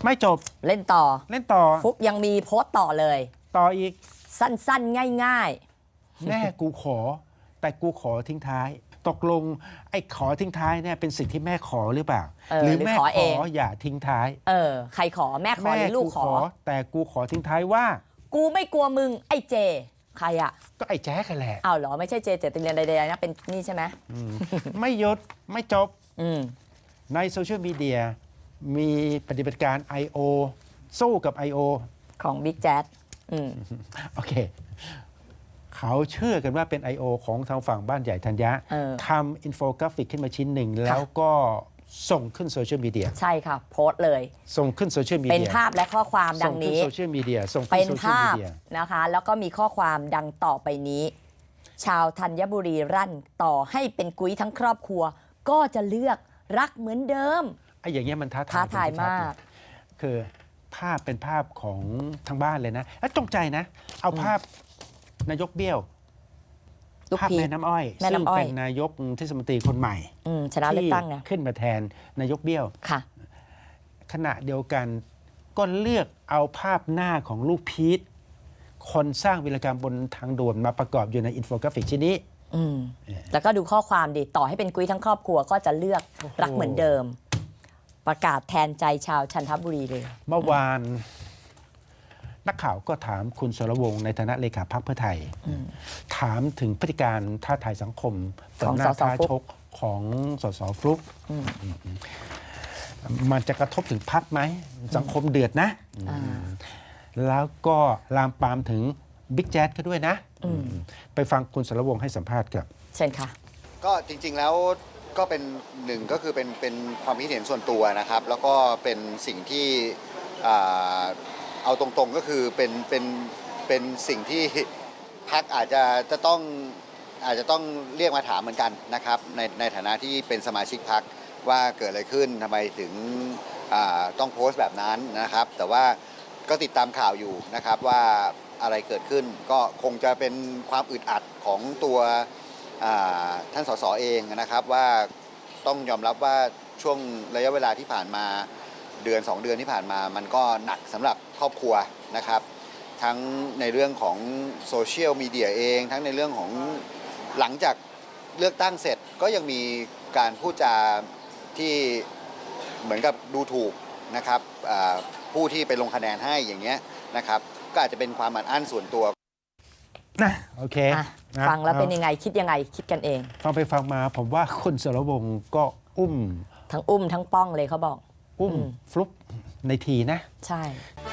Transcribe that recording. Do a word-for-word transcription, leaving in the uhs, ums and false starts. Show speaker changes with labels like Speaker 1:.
Speaker 1: ไม่จบ
Speaker 2: เล่นต่อ
Speaker 1: เล่นต่อ
Speaker 2: ฟุกยังมีโพสต์ต่อเลย
Speaker 1: ต่ออีก
Speaker 2: สั้นๆง่าย
Speaker 1: ๆแม่กูขอแต่กูขอทิ้งท้ายตกลงไอ้ขอทิ้งท้ายเนี่ยเป็นสิ่งที่แม่ขอหรือเปล่าหรือแม่ขออย่าทิ้งท้าย
Speaker 2: เออใครขอแม่ขอหรือลูกขอ
Speaker 1: แต่กูขอทิ้งท้ายว่า
Speaker 2: กูไม่กลัวมึงไอ้เจใครอ่ะ
Speaker 1: ก็ไอ้แจ๊กกันแหละ
Speaker 2: อ้าวเหรอไม่ใช่เจเจติเรียนใดๆนะเป็นนี่ใช่ไหม
Speaker 1: ไม่หยุดไม่จบ ในโซเชียลมีเดียมีปฏิบัติการ ไอ โอ สู้กับ ไอ โอ
Speaker 2: ของ Big Jazz
Speaker 1: โอเคเขาเชื่อกันว่าเป็น ไอ โอ ของทางฝั่งบ้านใหญ่ธัญญะทำอินโฟกราฟิกขึ้นมาชิ้นหนึ่งแล้วก็ส่งขึ้นโซเชียลมีเดีย
Speaker 2: ใช่ค่ะโพสต์เลย
Speaker 1: ส่งขึ้นโซเชียลมีเดีย
Speaker 2: เป็นภาพและข้อความดังนี้
Speaker 1: ส่งขึ้นโซเชียลมีเดียส่งขึ้
Speaker 2: เป็น
Speaker 1: นโซเชียลมีเดีย
Speaker 2: นะคะแล้วก็มีข้อความดังต่อไปนี้ ชาวธัญบุรีรั่นต่อให้เป็นกุ้ยทั้งครอบครัวก็จะเลือกรักเหมือนเดิม
Speaker 1: ไอ้อย่างเงี้ยมันท้าทาย
Speaker 2: ท้าทายมาก
Speaker 1: คือภาพเป็นภาพของทางบ้านเลยนะแล้วจงใจนะเอาภาพนายกเบี้ยวภาพแม่น้ำอ้อยซึ่งเป็นนายกเทศมนตรีคนใหม่
Speaker 2: ชนะเลือกตั้ง
Speaker 1: ขึ้นมาแทนนายกเบี้ยว
Speaker 2: ค่ะ
Speaker 1: ขณะเดียวกันก็เลือกเอาภาพหน้าของลูกพีทคนสร้างวีรกรรมบนทางด่วนมาประกอบอยู่ในอินโฟกราฟิกชิ้นนี้
Speaker 2: แล้วก็ดูข้อความดิต่อให้เป็นกุ้ยทั้งครอบครัวก็จะเลือกรักเหมือนเดิมประกาศแทนใจชาวจันทบุรีเลย
Speaker 1: เมื่อวานนักข่าวก็ถามคุณสรวงศ์ในฐานะเลขาพรรคเพื่อไทยถามถึงพฤติการท้าทายสังคม
Speaker 2: ของ
Speaker 1: หน้าท้าชกของสสฟลุ๊กมันจะกระทบถึงพรรคไหมสังคมเดือดนะแล้วก็ลามปามถึงบิ๊กแจ๊ดก็ด้วยนะไปฟังคุณสรวงศ์ให้สัมภาษณ์ครับ
Speaker 2: เช่นค่ะ
Speaker 3: ก็จริงๆแล้วก็เป็นหนึ่งก็คือเป็นเป็นความคิดเห็นส่วนตัวนะครับแล้วก็เป็นสิ่งที่เอาตรงๆก็คือเป็นเป็นเป็นสิ่งที่พรรคอาจจะจะต้องอาจจะต้องเรียกมาถามเหมือนกันนะครับในในฐานะที่เป็นสมาชิกพรรคว่าเกิดอะไรขึ้นทำไมถึงต้องโพสต์แบบนั้นนะครับแต่ว่าก็ติดตามข่าวอยู่นะครับว่าอะไรเกิดขึ้นก็คงจะเป็นความอึดอัดของตัวท่านสสเองนะครับว่าต้องยอมรับว่าช่วงระยะเวลาที่ผ่านมาเดือนสองเดือนที่ผ่านมามันก็หนักสำหรับครอบครัวนะครับทั้งในเรื่องของโซเชียลมีเดียเองทั้งในเรื่องของหลังจากเลือกตั้งเสร็จก็ยังมีการพูดจาที่เหมือนกับดูถูกนะครับผู้ที่ไปลงคะแนนให้อย่างเงี้ยนะครับก็อาจจะเป็นความอัดอั้นส่วนตัว
Speaker 1: นะโอเค
Speaker 2: ฟังแล้วเป็นยังไงคิดยังไงคิดกันเอง
Speaker 1: ฟังไปฟังมาผมว่าคุณสรวงศ์ก็อุ้ม
Speaker 2: ทั้งอุ้มทั้งป้องเลยเขาบอก
Speaker 1: อุ้มฟลุ๊กในทีนะ
Speaker 2: ใช่